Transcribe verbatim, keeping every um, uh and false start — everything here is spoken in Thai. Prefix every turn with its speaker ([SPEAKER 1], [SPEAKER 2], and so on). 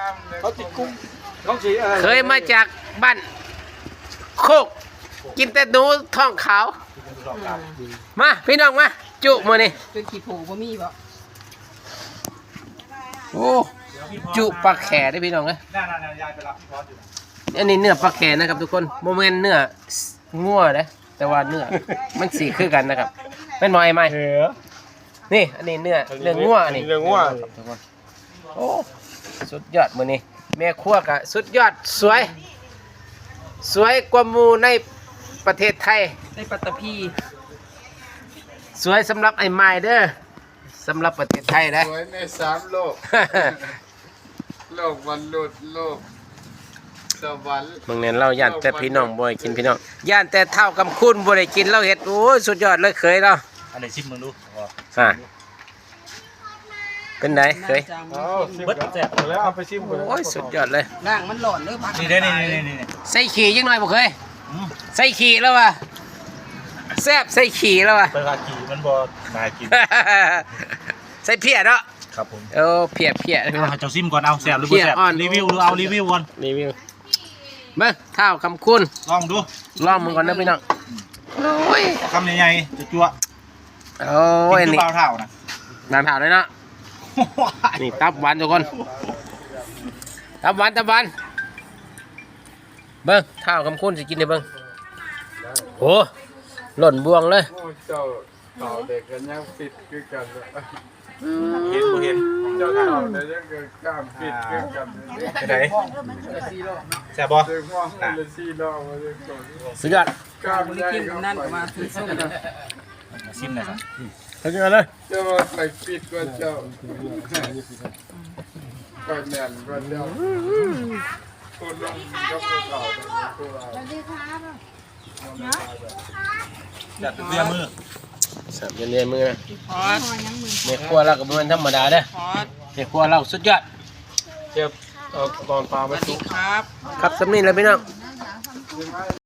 [SPEAKER 1] เขาติดกุ้งเขาสีอะไร
[SPEAKER 2] เคยมาจากบ้านโคกกินแต่หนูท้องขาวมาพี่น้องมาจุมื้อนี้
[SPEAKER 3] เป็นขี้ผูบ่มีบ่
[SPEAKER 2] โอ้จุปลาแขได้พี่น้องเอ้ย
[SPEAKER 1] น่าๆยายไปรับพี่พอสอยู่
[SPEAKER 2] อันนี้เนื้อปลาแขนะครับทุกคนโมเมนเนื้องัวนะแต่ว่าเนื้อมันสีคือกันนะครับเป็นหมอไอ้ไหม
[SPEAKER 1] เออ
[SPEAKER 2] นี่อันนี้เนื้อเนื้องัวอันนี้
[SPEAKER 1] เนื้องัว
[SPEAKER 2] ทุกคนโอ้สุดยอดมื้อนี้แม่ครัวกะสุดยอดสวย สวยกว่าหมู่ในประเทศไทย
[SPEAKER 3] ในปัตตภี
[SPEAKER 2] สวยสำหรับไอ้ไม้เด้อสำหรับประเทศไทยนะ
[SPEAKER 4] สวยในสามโลก โลกวันลุดโลกสวรรค์
[SPEAKER 2] บางเน้นเราย่านแต่พี่น้องบ่ให้กินพี่น้องย่านแต่เท่ากำคุณบ่ได้กินเราเฮ็ดโอ้ยสุดยอดเลยเคยเรา
[SPEAKER 1] อันไหนชิมมึงดู
[SPEAKER 2] อ่าเป็นไงเคย
[SPEAKER 4] เอาชิม
[SPEAKER 1] เบิด
[SPEAKER 4] กัน
[SPEAKER 1] แซ่บ
[SPEAKER 4] แล้วเอาไปชิมกัน
[SPEAKER 2] โอ้ยสุดยอดเลย
[SPEAKER 3] ร่างมันหลอนเด้อพัก
[SPEAKER 1] นี่ได้นี่นี่นี่นี่
[SPEAKER 2] ใส่ขี่ยังหน่อยบ่เคยใส่ขี่แล้วว่ะแซ่บใส่ขี่แล้วว่ะ
[SPEAKER 1] ไปพาขี่มันบ่น่ากิน
[SPEAKER 2] ใส่เพียเนาะ
[SPEAKER 1] ครับผม
[SPEAKER 2] เออเพียเพีย
[SPEAKER 1] เอาเจ้าซิมก่อนเอาแซ่บหรือบ่แซ่บรีวิวหรือเอารีวิวก่อน
[SPEAKER 2] รีวิวมาเท่าคำคุณ
[SPEAKER 1] ลองดู
[SPEAKER 2] ลองมึงก่อนนะพี่น้องโอ้ย
[SPEAKER 1] คำใหญ่ๆจะจั่ว
[SPEAKER 2] โอ้ย
[SPEAKER 1] กิน
[SPEAKER 2] นี่
[SPEAKER 1] เปล่าเท่านะ
[SPEAKER 2] นานเท่าเลยเนาะนี่ตับหวานทุกคนตับหวานตับหวานเบิ้งเท่าคำคุณสิกินได้เบิ้งโอ้หล่นบวงเลย
[SPEAKER 4] โอ้เจ้าเต่าเด็กกันยังปิดคือกันเลย
[SPEAKER 1] เห็นบ่เห็น
[SPEAKER 4] เจ้าเต่าเด็กยังเกิดกล้ามปิดคือกันเลย
[SPEAKER 1] ไปไหนแซ่บบ่
[SPEAKER 4] เด็กว่างเลยสี่รอบมาเลยก่อน
[SPEAKER 2] สุดยอด
[SPEAKER 4] กล้าม
[SPEAKER 3] บ่
[SPEAKER 4] ให
[SPEAKER 3] ได้
[SPEAKER 4] ญ่
[SPEAKER 3] กิน
[SPEAKER 4] ก็
[SPEAKER 3] กำนั่น
[SPEAKER 4] ไป
[SPEAKER 3] ก็มาซื้อส้มเด้อ
[SPEAKER 1] ซิมหน่อยครับ
[SPEAKER 2] สุดยอดเลย
[SPEAKER 4] เจ้าว่าไปปิดกว่าเจ้าไปแน่นกว่าเจ้าคนลงกับเต่าตัวเรา
[SPEAKER 1] จัดเรียมือ
[SPEAKER 2] สับเย็นๆมือนะ
[SPEAKER 3] พอด
[SPEAKER 2] เมฆัวเราก็บ่แมันธรรมดาเด้อ
[SPEAKER 3] พอด
[SPEAKER 2] เมฆัวเราสุดยอด
[SPEAKER 4] เจ็บเอาตอนปลา
[SPEAKER 3] ส
[SPEAKER 4] ไป
[SPEAKER 3] วัส
[SPEAKER 4] สุ
[SPEAKER 3] ดี
[SPEAKER 4] ก
[SPEAKER 3] ครับ
[SPEAKER 2] ครับสำนีเลยพี่น้อง